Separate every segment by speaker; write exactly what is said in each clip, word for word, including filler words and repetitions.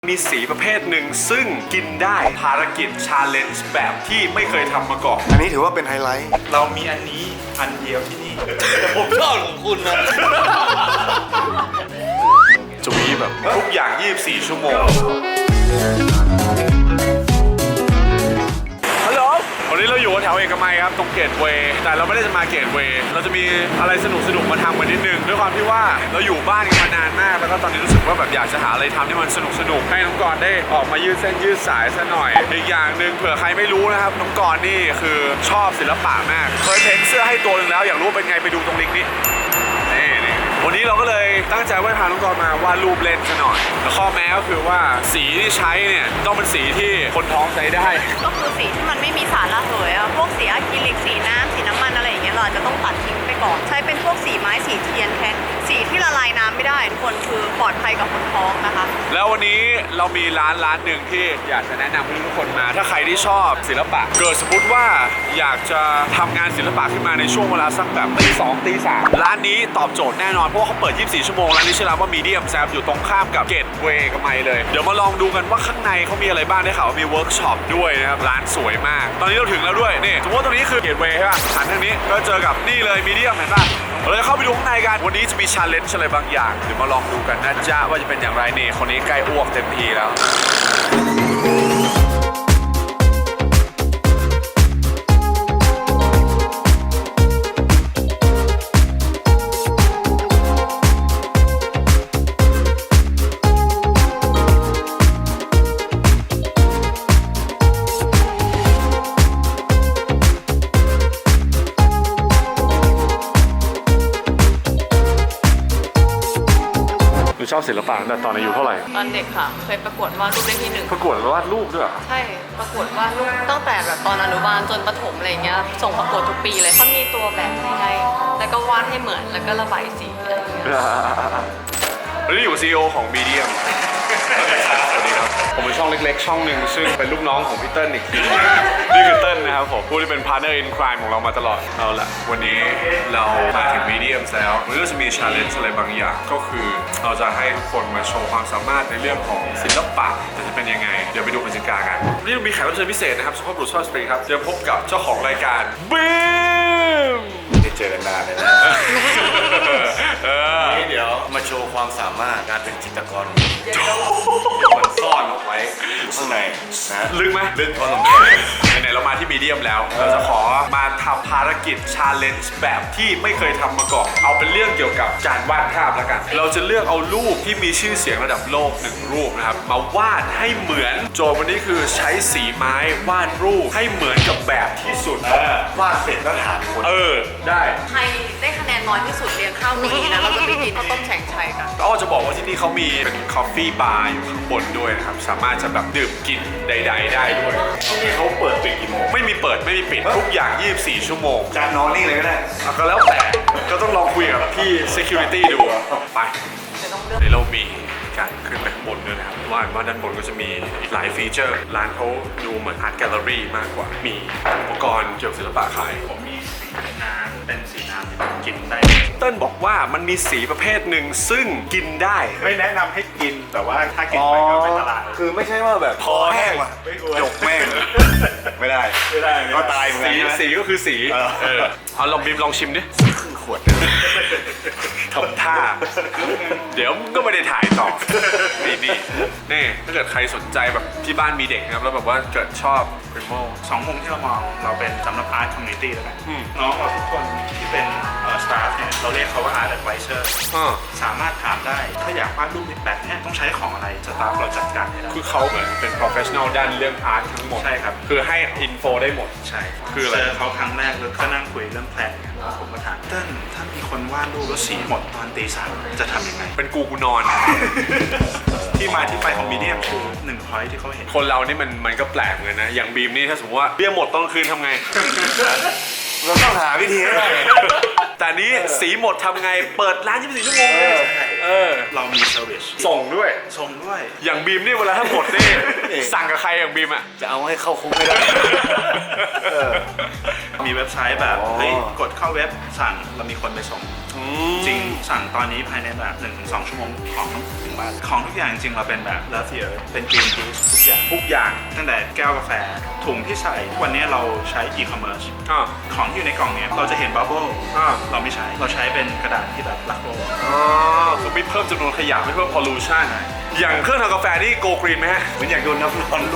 Speaker 1: มีสีประเภทหนึ่งซึ่งกินได้ภารกิจชาเลนจ์แบบที่ไม่เคยทำมาก่อน
Speaker 2: อันนี้ถือว่าเป็นไฮไลท์
Speaker 3: เรามีอันนี้อันเดียวที่นี่
Speaker 1: ผมชอบของคุณนะจะมีแบบทุกอย่างยี่สิบสี่ชั่วโมงฮัลโหลวันนี้เราอยู่แถวเอกมัยครับตรงเกตเวย์แต่เราไม่ได้จะมาเกตเวย์เราจะมีอะไรสนุกสนุกมาทำกันนิดนึงด้วยความที่ว่าเราอยู่บ้านกันมานานมากแล้วก็ตอนนี้รู้สึกว่าแบบอยากจะหาอะไรทำที่มันสนุกสนุกให้น้องกรณ์ได้ออกมายืดเส้นยืดสายซะหน่อยอีกอย่างหนึ่งเผื่อใครไม่รู้นะครับน้องกรณ์นี่คือชอบศิลปะมากเคยเพ้นเสื้อให้ตัวหนึ่งแล้วอยากรู้เป็นไงไปดูตรงลิงก์นี้นี่นี่วันนี้เราก็เลยตั้งใจว่าพาน้องกรณ์มาวาดรูปเล่นซะหน่อยแต่ข้อแม้ก็คือว่าสีที่ใช้เนี่ยต้องเป็นสีที่คนท้องใช้ได้
Speaker 4: ก็คือสีที่มันไม่มีสารระเหยอะพวกสีอะคริลิกสีน้ำสีน้ำมันอะไรอย่างเงี้ยเราอาจจะต้องตัดทิ้งไปก่อนใช้เป็นพวกสีไม้สีเทียนแทนสีที่ละลายน้ำไม่ได้ทุกคนคือปลอดภัยกับคนท้องนะคะ
Speaker 1: แล้ววันนี้เรามีร้านร้านหนึ่งที่อยากจะแนะนำให้ทุกคนมาถ้าใครที่ชอบศิลปะเกิดสมมติว่าอยากจะทำงานศิลปะขึ้นมาในช่วงเวลาสักแบบตีสองตีสามร้านนี้ตอบโจทย์แน่นอนเพราะว่าเขาเปิดยี่สิบสี่ชั่วโมงร้านนี้ชื่อร้านว่ามีเดียมแซมอยู่ตรงข้ามกับเกตเวย์กับไมเลยเดี๋ยวมาลองดูกันว่าข้างในเขามีอะไรบ้างได้ข่าวว่ามีเวิร์กช็อปด้วยนะครับร้านสวยมากตอนนี้เราถึงแล้วด้วยนี่สมมติว่าตรงนี้คือเกตเวย์ใช่ป่ะหันทางนี้ก็เจอกับนี่เลยมีเดียมเห็นป่ะเราจะเข้าไปดูข้างในกันวันนี้จะมีชาเลนจ์อะไรบางอย่างเดี๋ยวมาลองดูกันนะจ๊ะว่าจะเป็นอย่างไรนี่คนนี้ใกล้อ้วกเต็มทีแล้วชอบศิลปะตั้งแต่ตอนอายุเท่าไหร่
Speaker 4: ตอนเด็กค่ะเคยประกวดวาดรูปได้ที่หนึ่ง
Speaker 1: ประกวดวาดรูปด้วย
Speaker 4: ใช่ประกวดวาดรูปตั้งแต่แบบตอนอนุบาลจนประถมอะไรเงี้ยส่งประกวดทุกปีเลยเขามีตัวแบบให้แล้วก็วาดให้เหมือนแล้วก็ระบายสีอะไรอย่างเงี้ย
Speaker 1: วันนี้อยู่ ซี อี โอ ของ Medium สวัสดีครับผมเป็นช่องเล็กๆช่องหนึ่งซึ่งเป็นลูกน้องของพี่เติ้ลอีกทีนี่คือเติ้ลนะครับผมผู้ที่เป็น partner in crime ของเรามาตลอดเอาละวันนี้เรามาถึง Medium แล้ววันนี้เราจะมี challenge อะไรบางอย่างก็คือเราจะให้ทุกคนมาโชว์ความสามารถในเรื่องของศิลปะแต่จะเป็นยังไงเดี๋ยวไปดูกติกากันวันนี้เรามีแขกรับเชิญพิเศษนะครับสุภาพบุรุษสุภาพสตรีครับจะพบกับเจ้าของรายการบีม
Speaker 2: ได้เจอกันนานเลยนะนี่เดี๋ยวมาโชว์ความสามารถการเป็นจิตรกรเดี๋ยวมันซ่อนออกไว้ข้างในนะ
Speaker 1: ลึกไหม
Speaker 2: ลึกพอสมควร
Speaker 1: ไหนๆเรามาที่มีเดียมแล้วเราจะขอมาทำภารกิจชาเลนจ์แบบที่ไม่เคยทำมาก่อนเอาเป็นเรื่องเกี่ยวกับการวาดภาพแล้วกันเราจะเลือกเอารูปที่มีชื่อเสียงระดับโลกหนึ่งรูปนะครับมาวาดให้เหมือนโจทย์วันนี้คือใช้สีไม้วาดรูปให้เหมือนกับแบบที่สุด
Speaker 2: วาดเสร็จแล้วถามคน
Speaker 1: เออได้
Speaker 4: ใครได้คะแนนน้อยที่สุดเลี้ยงข้าวฟรีนะเราจะไปกินข้าวต้มแฉ่งชัยกัน
Speaker 1: ก็จะบอกว่าที่นี่เขามีเป็นคอฟฟี่บาร์อยู่ข้างบนด้วยนะครับสามารถจะแบบดื่มกินใดๆได้ด้วย
Speaker 2: ที่นี่เขาเปิดปิดกี่โมง
Speaker 1: ไม่มีเปิดไม่มีปิดทุกอย่างยี่สิบสี่ชั่วโมง
Speaker 2: จานนอนนี่เลยก็ได้
Speaker 1: ก็แล้วแต่ก็ต้องลองคุยกับพี่ security ดูไปในเรามีการขึ้นไปข้างบนด้วยนะครับว่าว่าด้านบนก็จะมีอีกหลายฟีเจอร์ร้านเขาดูเหมือนอาร์ตแกลเลอรี่มากกว่ามีอุปกรณ์เกี่ยวกับศิลปะขาย
Speaker 3: ผมมีสีน้ำเป็นสีน้ำที่กินได้
Speaker 1: เติ้ลบอกว่ามันมีสีประเภทหนึ่งซึ่งกินได้
Speaker 3: ไม่แนะนำให้กินแต่ว่าถ้ากินไปก็ไม่ตลาด
Speaker 2: คือไม่ใช่ว่าแบบคอแห้งว่ะจกแม่งไม่ได้
Speaker 3: ไม่ได้
Speaker 2: ก็ตายเหมือนกัน
Speaker 1: สีก็คือสีเออเอาลองบีมลองชิมดิ
Speaker 2: ครึ่งขวด
Speaker 1: ทำท่าเดี๋ยวก็ไม่ได้ถ่ายต่อนี่นี่นี่ถ้าเกิดใครสนใจแบบที่บ้านมีเด็กนะครับแล้วแบบว่าเกิดชอบพริโม
Speaker 3: สองมุมที่เรามองเราเป็นสำนักอาร์ตคอมมูนิตี้แล้วกันน้องเราทุกคนที่เป็นสตาฟเนี่ยเราเรียกเขาว่าอาร์ตแอดไวเซอร์สามารถถามได้ถ้าอยากวาดรูปแบบนี้ต้องใช้ของอะไรสตาฟเราจัดการให้ได้
Speaker 1: คือเขาเหมือนเป็น professional ด้านเรื่องอาร์ตทั้งหมด
Speaker 3: ใช่ครับ
Speaker 1: คือให้อินโฟได้หมด
Speaker 3: ใช่คือเจอเขาครั้งแรกแล้วก็นั่งคุยเรื่องแพลนกันผมก็ถามเติ้ลถ้ามีคนวาดรูปแล้วสีหมดตอนตีสามจะทำยังไง
Speaker 1: เป็นกูกูนอน
Speaker 3: ที่มาที่ไปของมีเดียมคือหนึ่งพอยที่เขาเห็น
Speaker 1: คนเรานี่มันมันก็แปลกเหมือนกันนะอย่างบีมนี่ถ้าสมมติว่าเบี้ยหมดตอนคืนทำไง
Speaker 2: เราต้องหาวิธีให้ได้
Speaker 1: แต่นี้สีหมดทำไงเปิดร้านยี่สิบสี่ชั่วโมงเลยเออ
Speaker 3: เรามีเซอร์วิส
Speaker 1: ส่งด้วย
Speaker 3: ส่งด้วย
Speaker 1: อย่างบีมนี่เวลาถ้าหมดนี่สั่งกับใครอย่างบีมอ่ะ
Speaker 2: จะเอาให้เข้าคุกไม่ได้
Speaker 3: มีเว็บไซต์แบบเฮ้ยกดเข้าเว็บสั่งเรามีคนไปส่งจริงสั่งตอนนี้ภายในแบบหนึ่งถึงสองชั่วโมงของถึงบ้านของทุกอย่างจริงๆเราเป็นแบบ Love the Earth เป็น Green Peace ทุกอย่างทุกอย่างตั้งแต่แก้วกาแฟถุงที่ใส่วันนี้เราใช้ e-commerce
Speaker 1: อ่า
Speaker 3: ของที่อยู่ในกล่องเนี้ยเราจะเห็นบับเบิ้ล
Speaker 1: อ่า
Speaker 3: เราไม่ใช้เราใช้เป็นกระดาษที่แบบรักโลก
Speaker 1: อ๋อคือไม่เพิ่มจำนวนขยะไม่เพิ่ม pollution อย่างเครื่องทำกาแฟนี่ go green ไหมฮะ
Speaker 2: เหมือนอยากโดนน้ำร้อนลูก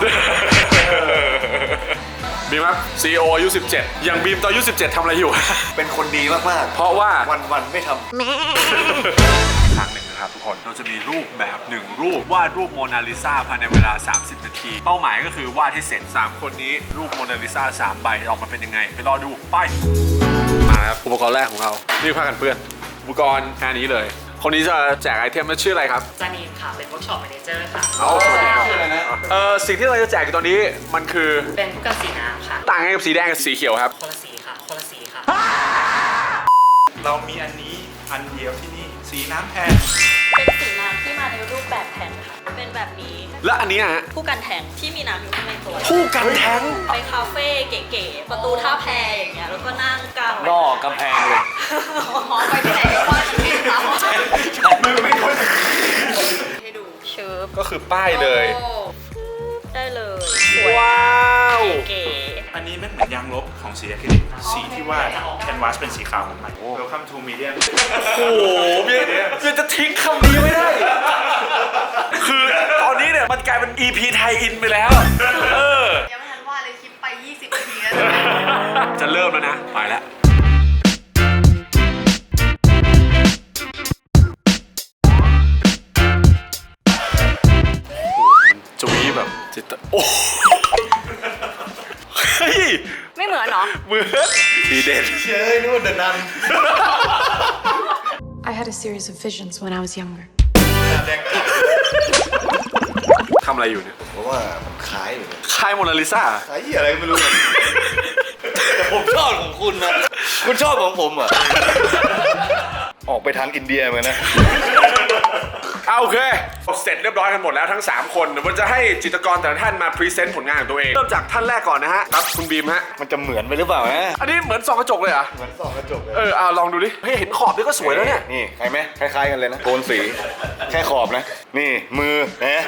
Speaker 1: บีมครับ ซี อี โอ อายุสิบเจ็ดอย่างบีมตอนอายุสิบเจ็ดทำอะไรอยู่
Speaker 2: เป็นคนดีมาก
Speaker 1: เพราะว่า
Speaker 2: ๆ วันๆไม่ทำ
Speaker 1: ครั้งหนึ่งนะครับทุกคนเราจะมีรูปแบบหนึ่งรูปวาดรูปโมนาลิซาภายในเวลา สามสิบ นาที เป้าหมายก็คือวาดให้เสร็จ สาม คนนี้รูปโมนาลิซาสามใบออกมาเป็นยังไง ไปรอดูไปมาครับอุปกรณ์แรกของเรานี่ผ้ากันเปื้อนอุปกรณ์แค่นี้เลย คนนี้จะแจกไอเทมมันชื่ออะไรครับ
Speaker 5: จานีนค่ะ เป็นเวิร์กช็อปแมเนเจอร์ค่ะ
Speaker 1: เอาสวัสดีครับเอ่อสิ่งที่เราจะแจกอยู่ตอนนี้มันคือ
Speaker 5: เป็นผู้กันสีน้ำค่ะ
Speaker 1: ต่างกันกับสีแดงกับสีเขียวครับ
Speaker 5: คนละสีค่ะ คนละสีค่ะ
Speaker 3: เรามีอันนี้อันเดียวที่นี่สีน้ำแทน
Speaker 6: เป็นสีน้ำที่มาในรูปแบบแทงค่ะ เป็นแบบนี้
Speaker 1: และอันนี้ฮะ
Speaker 6: ผู้กันแทงที่มีน้ำอยู่ข้างในตัว
Speaker 1: ผู้กันแทง
Speaker 6: ไปคาเฟ่เก๋ๆ ประตูท่าแพอย่างเงี้ย แล้วก็นั่งกลาง
Speaker 2: นอกกำแพงเลย
Speaker 6: หอไปที่ไหนก็ว่าจะเป็นเราให้ดูเชิฟ
Speaker 1: ก็คือป้ายเลย
Speaker 6: โอ้ได้เลยสวย
Speaker 1: ว้าว
Speaker 6: เก๋
Speaker 3: อันนี้ไม่เหมือนยางลบของสีอะคริลิกสีที่ว่าแคนวาสเป็นสีขาวเหมือนใหม่ Welcome to medium
Speaker 1: โอ้โหเมียยังจะทิ้งคำนี้ไม่ได้ คือตอนนี้เนี่ยมันกลายเป็น อี พี ไทยอินไปแล้ว เออ
Speaker 4: ยังไม่ทันว่าเลยคลิปไป ยี่สิบ นาทีแล้ว
Speaker 1: จะเริ่มแล้วนะ ไปแล้วจุยแบบจิตโอ้เฮ้ย
Speaker 4: ไม่เหมือนเหรอ
Speaker 1: เหมือนดีเด่น
Speaker 2: เชื่อนู่นเดินนัน
Speaker 7: I had a series of visions when I was younger.
Speaker 1: ทำอะไรอยู่เนี่ย
Speaker 2: เพราะว่ามันคล้ายอยู่เลย
Speaker 1: คายโมนาลิซา
Speaker 2: คล้ายอะไรไม่รู้แต่ผมชอบของคุณนะ คุณชอบของผมอ่ะ ออกไปทางอินเดียเหมือนกันนะ
Speaker 1: เอาโอเค เสร็จเรียบร้อยกันหมดแล้วทั้ง สาม คนเดี๋ยวมันจะให้จิตรกรแต่ละท่านมาพรีเซนต์ผลงานของตัวเอง เริ่มจากท่านแรกก่อนนะฮะ ครับ คุณบีมฮะ
Speaker 2: มันจะเหมือนไปหรือเปล่านะ
Speaker 1: อันนี้เหมือนส่องกระจกเลยเหรอ
Speaker 2: เหมือนส่องกระจกเลย
Speaker 1: เออเอาลองดูดิ เฮ้ย เห็นขอบนี่ก็สวยแล้วเนี่ย
Speaker 2: นี่ใครไหมคล้ายๆกันเลยนะโทนสี แค่ขอบนะ นี่มือเนะ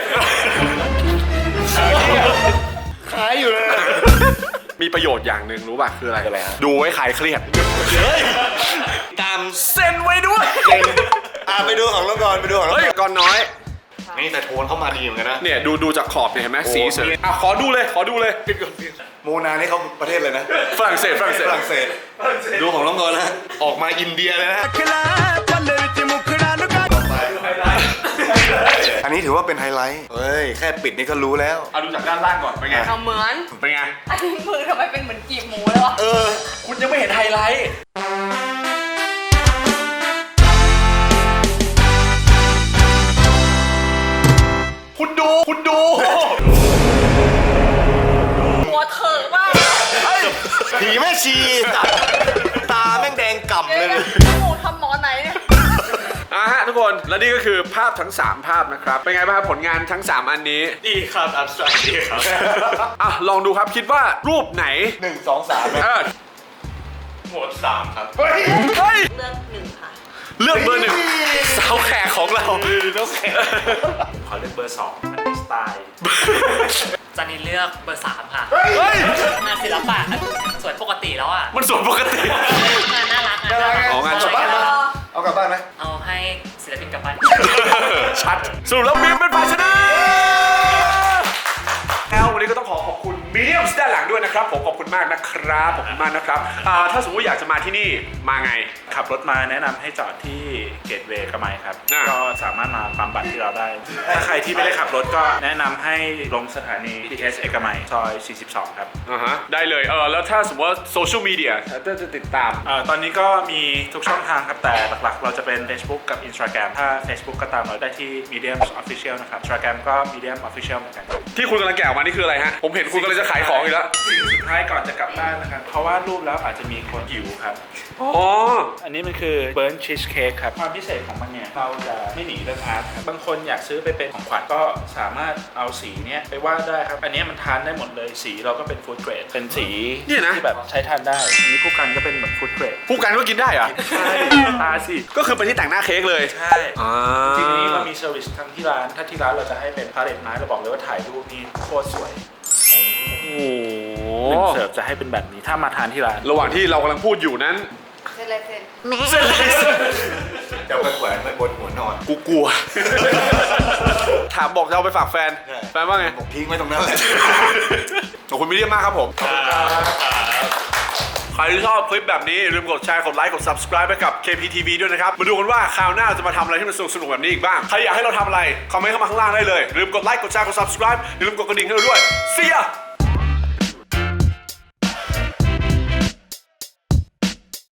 Speaker 2: คล้ายอยู่เลย
Speaker 1: มีประโยชน์อย่างหนึ่งรู้ป่ะ คืออะไร
Speaker 2: คืออะไรฮะ
Speaker 1: ดูไว้คลายเครียด
Speaker 2: เฮ้ย ตาม
Speaker 1: เซ็นไว้ด้วย
Speaker 2: อ่ะไปดูของน้องกรไปดูของน้อง
Speaker 1: เฮ้ยก่อนน้อย
Speaker 2: นี่แต่โทนเข้ามาดีเหมือนกันนะ
Speaker 1: เนี่ยดูดูจากขอบเนี่ยเห็นไหม
Speaker 2: โอ้
Speaker 1: สีเสวยอ่ะขอดูเลย ขอดูเลย
Speaker 2: โมนานี่เขาประเทศเลยนะ
Speaker 1: ฝรั่งเศสฝรั่งเศส
Speaker 2: ฝรั่งเศส ดูของน้องกรนะ ออกมาอินเดียเลยนะ อันนี้ถือว่าเป็นไฮไลท์ เฮ้ย แค่ปิดนี่ก็รู้แล้ว
Speaker 1: เอาดูจากด้านล่างก่อน เป็นไง
Speaker 4: เอาเหมือน
Speaker 1: เป็นไง
Speaker 4: อันนี้มือทำไมเป็นเหมือนกีบหมูเลยวะ
Speaker 2: เออ
Speaker 1: คุณยังไม่เห็นไฮไลท์ คุณดู คุณดู
Speaker 6: หัวเถอะมาก
Speaker 2: ผีแม่ชีสัตว์ตาแม่งแดงก่ำเลย
Speaker 6: หมูทำหมอไหนเนี่ย
Speaker 1: อ่ะฮะทุกคน และนี่ก็คือภาพทั้ง สาม ภาพนะครับ เป็นไงบ้างครับผลงานทั้ง สาม อันนี้
Speaker 3: ดีครับอับสตรักดีครับ
Speaker 1: อ่ะ ลองดูครับคิดว่ารูปไหน
Speaker 2: หนึ่งสองสามนะ
Speaker 1: เออ
Speaker 3: หมวดสามครับ
Speaker 1: เฮ้ยเฮ้ย
Speaker 6: เลือกหนึ่งค่ะ
Speaker 1: เลือกเบอร์หนึ่งสาวแขกของเรา
Speaker 3: ขอเลือกเบอร์สองมันมีสไตล์
Speaker 5: จานีนเลือกเบอร์สามค่ะ
Speaker 1: เฮ้ย
Speaker 5: งานศิลปะสวยปกติแล้วอ่ะ
Speaker 1: มันส่วนปกติ
Speaker 5: งานน่ารักงานน่ารัก
Speaker 1: อ๋องาน
Speaker 5: สวย
Speaker 1: กลับบ้าน
Speaker 2: เอากลับบ้านไหม
Speaker 5: เอาให้ศิลปินกลับบ้าน
Speaker 1: ชัดสรุปแล้วบีมเป็นฝ่ายชนะแล้ววันนี้ก็ต้องขอขอบคุณมีเดียมด้านหลังด้วยนะครับผมขอบคุณมากนะครับขอบคุณมากนะครับอ่าถ้าสมมติอยากจะมาที่นี่มาไง
Speaker 3: ขับรถมาแนะนำให้จอดที่เกตเวย์กระไมครับ
Speaker 1: อ่า
Speaker 3: ก็สามารถมาปั๊มบัตรที่เราได้ ถ้าใครที่ไม่ได้ขับรถก็แนะนำให้ลงสถานี บี ที เอส เอกมัยซอย สี่สิบสอง ครับ
Speaker 1: อ่าฮะได้เลยเออแล้วถ้าสมมติว่าโซเชียลมีเดียถ้าจะติดตาม
Speaker 3: เอ่อตอนนี้ก็มีทุกช่องทางครับ แต่หลักๆ เราจะเป็น Facebook กับ Instagram ถ้า Facebook ก็ตามเราได้ที่ Medium Official นะครับ Instagram ก็ Medium Official เหมือนกัน
Speaker 1: ที่คุณกำลังแกะออกมานี่คืออะไรฮะผมเห็นคุณกำลังจะขายของอีกแล้ว
Speaker 3: สิ่งสุดท้ายก่อนจะกลับบ้านนะครับ เพราะว่ารูปแล้วอาจจะมีคนหิวครับ
Speaker 1: อ๋อ
Speaker 3: อันนี้มันคือเบิร์นชีสเค้กครับ ความพิเศษของมันเนี่ยเราจะไม่หนีเรื่องอาร์ตครับบางคนอยากซื้อไปเป็นของขวัญก็สามารถเอาสีเนี้ยไปวาดได้ครับ อันนี้มันทานได้หมดเลยสีเราก็เป็นฟู้ดเกรดเป็นสี
Speaker 1: เนี่ยนะ
Speaker 3: ที่แบบใช้ทานได้ อันนี้ผู้กันก็เป็นแบบฟู้ดเกรด
Speaker 1: ผู้กันก็กินได้เหรอะ
Speaker 3: ใช่ทาสิ
Speaker 1: ก็คือเป็นที่แต่งหน้าเค้กเลย
Speaker 3: ใช่
Speaker 1: อ่า
Speaker 3: ทีนี้เรามีเซอร์วิสทั้งที่ร้าน ถ้าที่ร้านเราจะให้เป็นพาเลตไม้เราบอกเลยว่าถ่ายรูปนี่โคตรสวย
Speaker 1: โอ้โห
Speaker 3: หนึ่งเสิร์ฟจะให้เป็นแบบนี้ถ้ามาทานที่ร้าน
Speaker 1: ระหว่างที่เรากำลังพูดอยู่นั้น
Speaker 6: เส้นลายเส้น
Speaker 2: จะไปแขวนไว้บนหัวนอน
Speaker 1: กูกลัว ถามบอกจะเอาไปฝากแฟน
Speaker 2: ใช่
Speaker 1: แฟนว่าไง
Speaker 2: ผมทิ้งไว้ตรงนั้นเลย
Speaker 1: ขอบคุณมิเดียมมากครับผม ใครที่ชอบคลิปแบบนี้อย่าลืมกดแชร์ กดไลค์ กด subscribe ไปกับ เค พี ที วี ด้วยนะครับ มาดูกันว่าคราวหน้าจะมาทำอะไรที่มันสนุกๆแบบนี้อีกบ้าง ใครอยากให้เราทำอะไร คอมเมนต์เข้ามาข้างล่างได้เลยอย่าลืมกดไลค์ กดแชร์ กด subscribe อย่าลืมกดกระดิ่งให้เราด้วย See ya